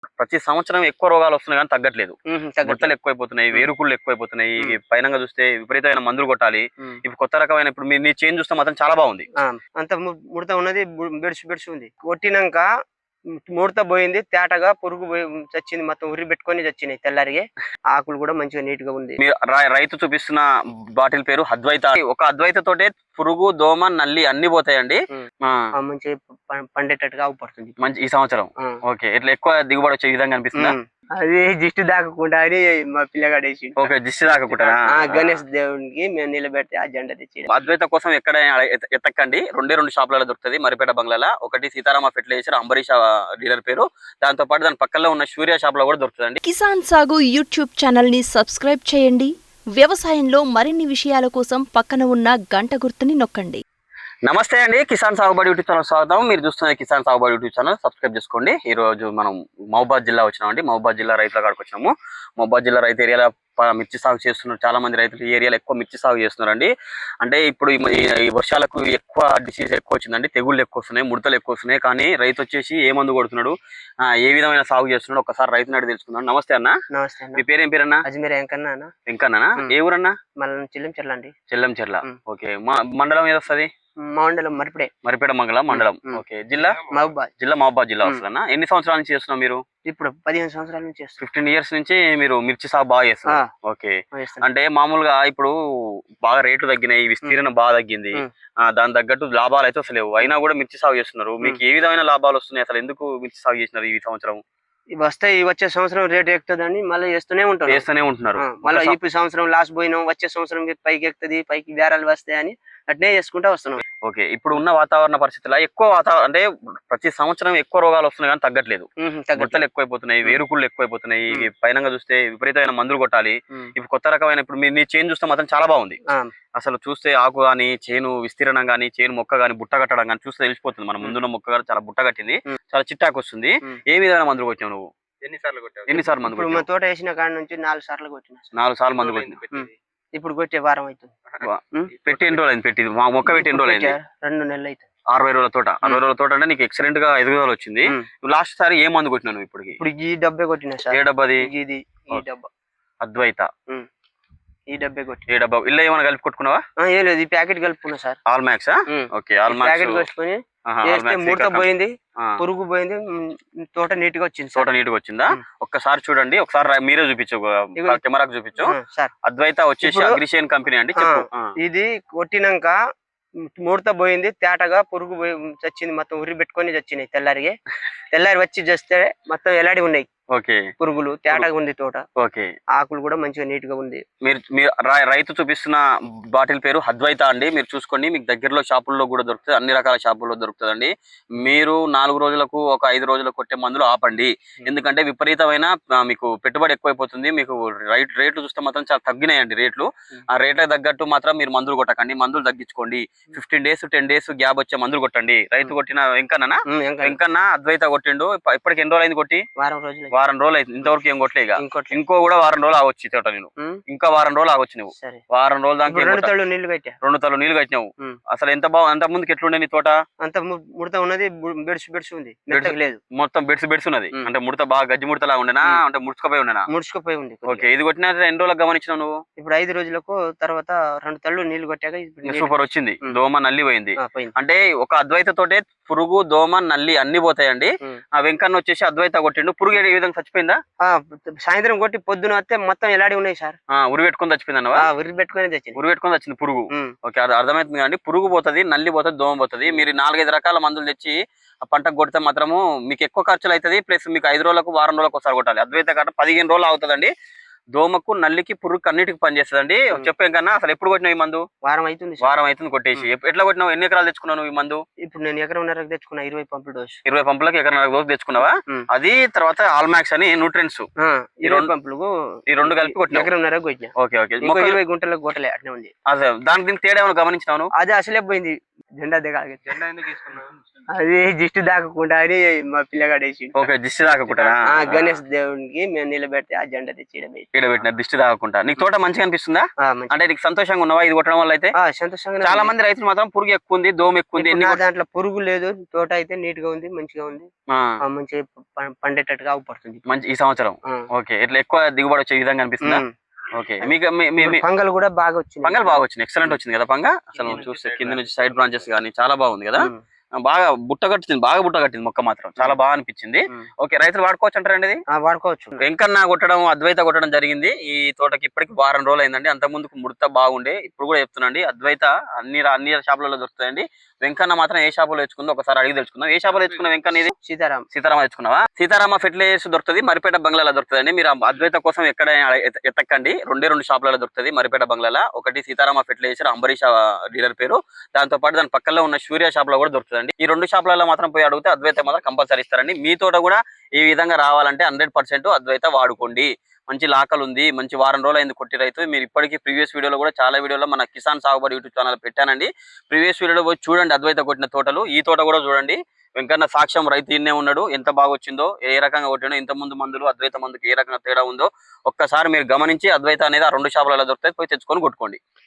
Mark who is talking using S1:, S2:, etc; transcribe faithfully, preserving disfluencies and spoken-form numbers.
S1: ప్రతి సంవత్సరం ఎక్కువ రోగాలు వస్తున్నాయి కానీ తగ్గట్లేదు.
S2: తగ్గట్లేదు.
S1: గుట్టలు ఎక్కువైపోతున్నాయి, వేరుకుళ్ళు ఎక్కువైపోతున్నాయి.
S2: హ్మ్.
S1: పైనంగా చూస్తే విపరీతమైన మందులు కొట్టాలి.
S2: హ్మ్.
S1: ఇప్పుడు కొత్త రకమైన ఇప్పుడు మీ నీ చేంజ్ చూస్తే మాత్రం చాలా బాగుంది.
S2: ఆ! అంత ము ముడత ఉన్నది బు బెడిసి బెడిసి ఉంది. కొట్టినంక ముడత పోయింది. తేటగా పురుగు పోయి చచ్చింది. మొత్తం ఉరి పెట్టుకొని చచ్చినాయి తెల్లారిగే. ఆకులు కూడా మంచిగా నీట్ గా ఉంది.
S1: మీరు రై రైతు చూపిస్తున్న బాటిల్ పేరు అద్వైత. ఒక అద్వైత తోటే పురుగు, దోమ, నల్లి అన్ని పోతాయండి.
S2: హ్మ్.
S1: ఆ!
S2: ఆ! మంచిగా ప పండేటట్టుగా అవుపడుతుంది.
S1: మంచి ఈ సంవత్సరం.
S2: ఆ!
S1: ఓకే. ఇట్లా ఎక్కువ దిగుబడి వచ్చే విధంగా అనిపిస్తుందా?
S2: హ్మ్. అది దిష్టి తాకకుండా అని మా పిల్లగాడు వేసిండు.
S1: ఓకే. దిష్టి తాకకుండానా?
S2: ఆ! గణేష్ దేవునికి మేము నిలబెడితే ఆ జెండా తెచ్చి
S1: అద్వైత కోసం ఎక్కడైనా ఎత ఎతక్కండి. రెండే రెండు షాపులలో దొరుకుతది మరిపేట బంగ్లాల. ఒకటి సీతారామ ఫెర్టిలైజర్ అంబరీష్ డీలర్ పేరు. దాంతో పాటు దాని పక్కలో ఉన్న సూర్య షాప్ లో కూడా దొరుకుతుందండి.
S3: కిసాన్ సాగు యూట్యూబ్ ఛానల్ ని సబ్స్క్రైబ్ చేయండి. వ్యవసాయంలో మరిన్ని విషయాల కోసం పక్కన ఉన్న గంట గుర్తుని నొక్కండి.
S1: నమస్తే అండి, కిసాన్ సాగుబడి యూట్యూబ్ ఛానల్ స్వాగతం. మీరు చూస్తున్న కిసాన్ సాగుబడి యూట్యూబ్ ఛానల్ సబ్స్క్రైబ్ చేసుకోండి. ఈ రోజు మనం మహబూబాద్ జిల్లా వచ్చినామండి. మహబూబాద్ జిల్లా రైతుల కాడికి వచ్చినాము. మహబూబాద్ జిల్లా రైతు ఏరియాలో మిర్చి సాగు చేస్తున్నారు. చాలా మంది రైతులు ఈ ఏరియాలో ఎక్కువ మిర్చి సాగు చేస్తున్నారండి. అంటే ఇప్పుడు ఈ వర్షాలకు ఎక్కువ డిసీజ్ ఎక్కువ వచ్చిందండి, తెగుళ్ళు ఎక్కువ వస్తున్నాయి, ముడతలు ఎక్కువ వస్తున్నాయి. కానీ రైతు వచ్చేసి ఏ మందు కొడుతున్నాడు, ఏ విధమైన సాగు చేస్తున్నాడు ఒకసారి రైతు నాడు తెలుసుకుందాం. నమస్తే అన్న.
S2: నమస్తే అన్న.
S1: మీ పేరు ఏం పేరన్నా?
S2: అజ్మీర్ వెంకన్న అన్న.
S1: వెంకన్న. ఏ ఊరన్నా?
S2: మళ్ళీ చెల్లం చెర్ల అండి.
S1: చెల్లం చెర్ల. ఓకే. మండలం ఏది వస్తుంది?
S2: మండలం మరిపడే.
S1: మరిపేట మంగళం మండలం. ఓకే. జిల్లా
S2: మహబూబాద్.
S1: జిల్లా మహబూబాద్ జిల్లా వస్తుందన్న. ఎన్ని సంవత్సరాల నుంచి చేస్తున్నావు మీరు?
S2: ఇప్పుడు పదిహేను సంవత్సరాల నుంచి చేస్తాం.
S1: ఫిఫ్టీన్ ఇయర్స్ నుంచి మీరు మిర్చి సాగు బాగా చేస్తున్నారు. ఓకే.
S2: చేస్తాం.
S1: అంటే మామూలుగా ఇప్పుడు బాగా రేట్లు తగ్గినాయి, విస్తీర్ణం బాగా తగ్గింది. ఆ దాని తగ్గట్టు లాభాలు అయితే అసలు లేవు. అయినా కూడా మిర్చి సాగు చేస్తున్నారు. మీకు ఏ విధమైన లాభాలు వస్తున్నాయి? అసలు ఎందుకు మిర్చి సాగు చేసినారు ఈ సంవత్సరం?
S2: ఇవి వస్తాయి, వచ్చే సంవత్సరం రేట్ ఎక్కుతుందని మళ్ళీ చేస్తూనే ఉంటారు.
S1: చేస్తూనే ఉంటున్నారు.
S2: మళ్ళీ ఈ సంవత్సరం లాస్ పోయినాం, వచ్చే సంవత్సరం పైకి ఎక్కుతుంది, పైకి బేరాలు వస్తాయని అట్నే చేసుకుంటా వస్తున్నాం.
S1: ఓకే. ఇప్పుడు ఉన్న వాతావరణ పరిస్థితుల్లో ఎక్కువ వాతావరణం అంటే ప్రతి సంవత్సరం ఎక్కువ రోగాలు వస్తున్నాయి కానీ తగ్గట్లేదు. గుట్టలు ఎక్కువైపోతున్నాయి, వేరుకుళ్ళు ఎక్కువైపోతున్నాయి. పైనంగా చూస్తే విపరీతమైన మందులు కొట్టాలి. ఇప్పుడు కొత్త రకమైన ఇప్పుడు మీ చేంజ్ చూస్తే మాత్రం చాలా బాగుంది. అసలు చూస్తే ఆకు గాని, చేను విస్తీర్ణం గాని, చేను మొక్క గాని, బుట్ట కట్టడం గాని చూస్తే తెలిసిపోతుంది. మన ముందున్న మొక్క గాని చాలా బుట్ట కట్టింది, చాలా చిట్టాకు వస్తుంది. ఏ విధమైన మందులు కొట్టావు నువ్వు?
S2: ఎన్నిసార్లు కొట్టావు?
S1: ఎన్నిసార్లు మందు
S2: కొట్టావు? తోట వేసిన కాడ నుంచి నాలుగు సార్లు కొట్టిన.
S1: నాలుగు సార్లు మందు కొట్టింది.
S2: ఇప్పుడు కొట్టే వారం అవుతుంది.
S1: పెట్టి ఎన్ని రోజులు అయింది? పెట్టి మా మొక్క పెట్టి ఎన్ని రోజులు అయింది?
S2: రెండు నెలలు అవుతుంది.
S1: అరవై రోజుల తోట. అరవై రోజుల తోట అంటే నీకు ఎక్సలెంట్ గా ఎదుగుదల వచ్చింది. లాస్ట్ సారి ఏ మందు కొట్టినాను? ఇప్పుడు
S2: ఇప్పుడు ఈ డబ్బే కొట్టినా సార్.
S1: ఏ డబ్బాది?
S2: ఇది ఈ డబ్బా
S1: అద్వైత.
S2: ఈ డబ్బే కొట్టి.
S1: ఏ డబ్బా? ఇల్లు ఏమైనా కలిపి కొట్టుకున్నావా?
S2: ఏం లేదు, ఈ ప్యాకెట్ కలుపుకున్నా sir.
S1: All Max. Okay. All Max
S2: packet కలుపుకొని చేస్తే ముడత పోయింది, పురుగు పోయింది, తోట నీట్ గా వచ్చింది.
S1: తోట నీట్ గా వచ్చిందా? ఒక్కసారి చూడండి, ఒకసారి మీరే చూపించు, కెమెరాకు చూపించు. అద్వైత వచ్చేసి అగ్రిషియన్ కంపెనీ అండి. చెప్పు.
S2: ఇది కొట్టినాక ముడత పోయింది, తేటగా పురుగు పోయి చచ్చింది. మొత్తం ఉరి పెట్టుకొని చచ్చినాయి తెల్లారిగే. తెల్లారి వచ్చి చేస్తే మొత్తం ఎలాడి ఉన్నాయి.
S1: ఓకే.
S2: పురుగులు తేటగా ఉంది తోట.
S1: ఓకే.
S2: ఆకులు కూడా మంచిగా నీట్ గా ఉంది.
S1: మీరు మీరు రైతు చూపిస్తున్న బాటిల్ పేరు అద్వైత అండి. మీరు చూసుకోండి, మీకు దగ్గరలో షాపుల్లో కూడా దొరుకుతుంది, అన్ని రకాల షాపుల్లో దొరుకుతుందండి. మీరు నాలుగు రోజులకు ఒక ఐదు రోజులకు కొట్టే మందులు ఆపండి. ఎందుకంటే విపరీతమైన మీకు పెట్టుబడి ఎక్కువైపోతుంది. మీకు రైట్ రేట్లు చూస్తే మాత్రం చాలా తగ్గినాయండి రేట్లు. ఆ రేట్లకు తగ్గట్టు మాత్రం మీరు మందులు కొట్టకండి, మందులు తగ్గించుకోండి. Fifteen days ten days gap వచ్చే మందులు కొట్టండి. రైతు కొట్టిన వెంకన్న వెంకన్న అద్వైత కొట్టిండు. ఇప్పటికి ఎన్ని రోజులు అయింది కొట్టి?
S2: వారం రోజులు.
S1: వారం రోజులు అయింది. ఇంతవరకు ఏం కొట్టలే. ఇంకో కూడా వారం రోజులు ఆగొచ్చు తోట. నేను ఇంకా వారం రోజులు ఆగొచ్చు. నువ్వు వారం రోజులు దాకా
S2: రెండు తళ్ళు నీళ్లు కట్టా.
S1: రెండు తల్లు నీళ్లు కట్టినావు. అసలు ఎంత బాగు, అంత ముందుకు ఎట్లుండే నీ తోట?
S2: అంత ముడత ఉన్నది, బెడ్స్ బెడ్స్ ఉంది, లేదు
S1: మొత్తం బెడ్స్ బెడ్స్ ఉన్నది. అంటే ముడత బాగా గజ్జి ముడతలా ఉండేనా? అంటే ముడుచుకుపోయి ఉండేనా?
S2: ముడుచుకుపోయి ఉంది.
S1: ఓకే. ఇది కొట్టిన ఎన్ని రోజులకు గమనించినావు నువ్వు?
S2: ఇప్పుడు ఐదు రోజులకు తర్వాత రెండు తళ్ళు నీళ్లు కొట్టాక
S1: సూపర్ వచ్చింది. దోమ నల్లి పోయింది. అంటే ఒక అద్వైత తోటే పురుగు, దోమ, నల్లి అన్ని పోతాయండి. ఆ వెంకన్న వచ్చేసి అద్వైత కొట్టిండు. పురుగు ఏ విధంగా చచ్చిపోయిందా?
S2: సాయంత్రం కొట్టి పొద్దున వస్తే మొత్తం ఎలాడి ఉన్నాయి సార్.
S1: ఉరి పెట్టుకుని చచ్చిపోయింది అన్నవా?
S2: ఉరి పెట్టుకుని తెచ్చింది.
S1: ఉరి పెట్టుకుని వచ్చింది పురుగు. ఓకే. అది అర్థమవుతుంది కదండి. పురుగు పోతుంది, నల్లి పోతుంది, దోమ పోతుంది. మీరు నాలుగైదు రకాల మందులు తెచ్చి ఆ పంటకు కొడితే మాత్రము మీకు ఎక్కువ ఖర్చులు అవుతుంది. ప్లస్ మీకు ఐదు రోజులకు వారం రోజులకు ఒకసారి కొట్టాలి. అద్వైత కట్ట పదిహేను రోజులు అవుతుందండి. దోమకు, నల్లికి, పురుగుకి అన్నిటికి పనిచేస్తుందండి. చెప్పాం కన్నా. అసలు ఎప్పుడు కొట్టినావు ఈ మందు?
S2: వారం అవుతుంది.
S1: వారం అవుతుంది కొట్టేసి. ఎట్లా కొట్టినావు? ఎన్ని ఎకరాలు తెచ్చుకున్నావు ఈ మందు?
S2: ఇప్పుడు నేను ఎకరం తెచ్చుకున్నా. ఇరవై పంపుల డోసు.
S1: ఇరవై పంపులకు ఎకరం డోసు తెచ్చుకున్నావా? అది తర్వాత ఆల్మాక్స్ అని న్యూట్రియన్స్
S2: ఈ రెండు పంపులకు
S1: ఈ రెండు కలిపి కొట్టిన
S2: ఎకరం కొట్టినా.
S1: ఓకే. ఓకే.
S2: ఇరవై గుంటలకు కొట్టలే, అట్నే ఉంది.
S1: అదే దానికి దీనికి తేడా ఏమైనా గమనించినావు?
S2: అది అసలే పోయింది. జెండా దిగాలి. జెండా ఎందుకు తీసుకున్నావు? అది దిష్టి తాకకుండా అని మా పిల్లగాడు వేసిండు.
S1: ఓకే. దిష్టి తాకకుండా
S2: గణేష్ దేవునికి మేము నిలబెడితే ఆ జెండా తెచ్చి
S1: ఈడ పెట్టిన దిష్టి తాగకుండా. నీకు తోట మంచిగా అనిపిస్తుందా?
S2: ఆ, మంచి-
S1: అంటే నీకు సంతోషంగా ఉన్నావా ఇది కొట్టడం వల్ల? అయితే
S2: ఆ, సంతోషంగా
S1: చాలా మంది రైతులు మాత్రం పురుగు ఎక్కువ ఉంది, దోమ ఎక్కువ ఉంది, ఎన్ని కొట్-
S2: దాంట్లో పురుగు లేదు, తోట అయితే నీట్ గా ఉంది, మంచిగా ఉంది,
S1: ఆ,
S2: ఆ, మంచిగా ప- పండేటట్టుగా అవుపడుతుంది.
S1: మంచి ఈ సంవత్సరం.
S2: ఆ.
S1: ఓకే, ఇట్లా ఎక్కువ దిగుబడి వచ్చే విధంగా అనిపిస్తుందా?
S2: ఉమ్.
S1: ఓకే, మీకు మీ- మీ- మీ-
S2: పంగల్ కూడా బాగా వచ్చింది.
S1: పంగల్ బాగా వచ్చింది, ఎక్సలెంట్ వచ్చింది కదా పంగ. అసలు చూస్తే కింద నుంచి సైడ్ బ్రాంచెస్ కానీ చాలా బాగుంది కదా.
S2: ఉమ్.
S1: బాగా బుట్ట కట్టింది, బాగా బుట్ట కట్టింది మొక్క మాత్రం చాలా బాగా అనిపించింది.
S2: ఉమ్.
S1: ఓకే, రైతులు వాడుకోవచ్చు అంటారండి ఇది?
S2: ఆ, వాడుకోవచ్చు.
S1: వెంకన్న కొట్టడం, అద్వైత కొట్టడం జరిగింది ఈ తోటకి. ఇప్పటికి వారం రోజులు అయిందండి. అంత ముందుకు ముడత బాగుండే, ఇప్పుడు కూడా చెప్తున్నాండి అద్వైత అన్ని రా- అన్ని షాపులలో దొరుకుతాయండి. వెంకన్న మాత్రం ఏ షాపులో తెచ్చుకుందో ఒకసారి అడిగి తెలుసుకుందాం. ఏ షాపులో తెచ్చుకున్న వెంకన్న ఇది?
S2: సీతారాం.
S1: సీతారామ తెచ్చుకున్నావా? సీతారామ ఫెర్టిలైజర్స్ దొరుకుతుంది, మరిపేట బంగ్లాలో దొరుకుతుంది. మీరు ఆ అద్వైత కోసం ఎక్కడ ఎత- ఎత్తకండి, రెండే రెండు షాపులలో దొరుకుతుంది మరిపేట బంగ్లాలో. ఒకటి సీతారామ ఫెర్టిలైజర్ అంబరీష్ డీలర్ పేరు, దాంతో పాటు దాని పక్కలో ఉన్న సూర్య షాప్ లో కూడా దొరుకుతుందండి. ఈ రెండు షాపులలో మాత్రం పోయి అడిగితే అద్వైత మాత్రం కంపల్సరీ ఇస్తారండి. మీ తోట కూడా ఈ విధంగా రావాలంటే హండ్రెడ్ పర్సెంట్ అద్వైత వాడుకోండి. మంచి లాకలు ఉంది, మంచి వారం రోజులు అయింది కొట్టి రైతు. మీరు ఇప్పటికీ ప్రీవియస్ వీడియోలో కూడా చాలా వీడియోలో మన కిసాన్ సాగుబడి యూట్యూబ్ ఛానల్ పెట్టానండి. ప్రీవియస్ వీడియోలో పోయి చూడండి అద్వైత కొట్టిన తోటలు. ఈ తోట కూడా చూడండి, వెంకన్న సాక్ష్యం రైతు ఇన్నే ఉన్నాడు, ఎంత బాగా వచ్చిందో, ఏ రకంగా కొట్టినో, ఇంత ముందు మందులు అద్వైత మందుకి ఏ రకంగా తేడా ఉందో ఒక్కసారి మీరు గమనించి అద్వైత అనేది ఆ రెండు షాపులలో దొరుకుతాయి, పోయి తెచ్చుకొని కొట్టుకోండి.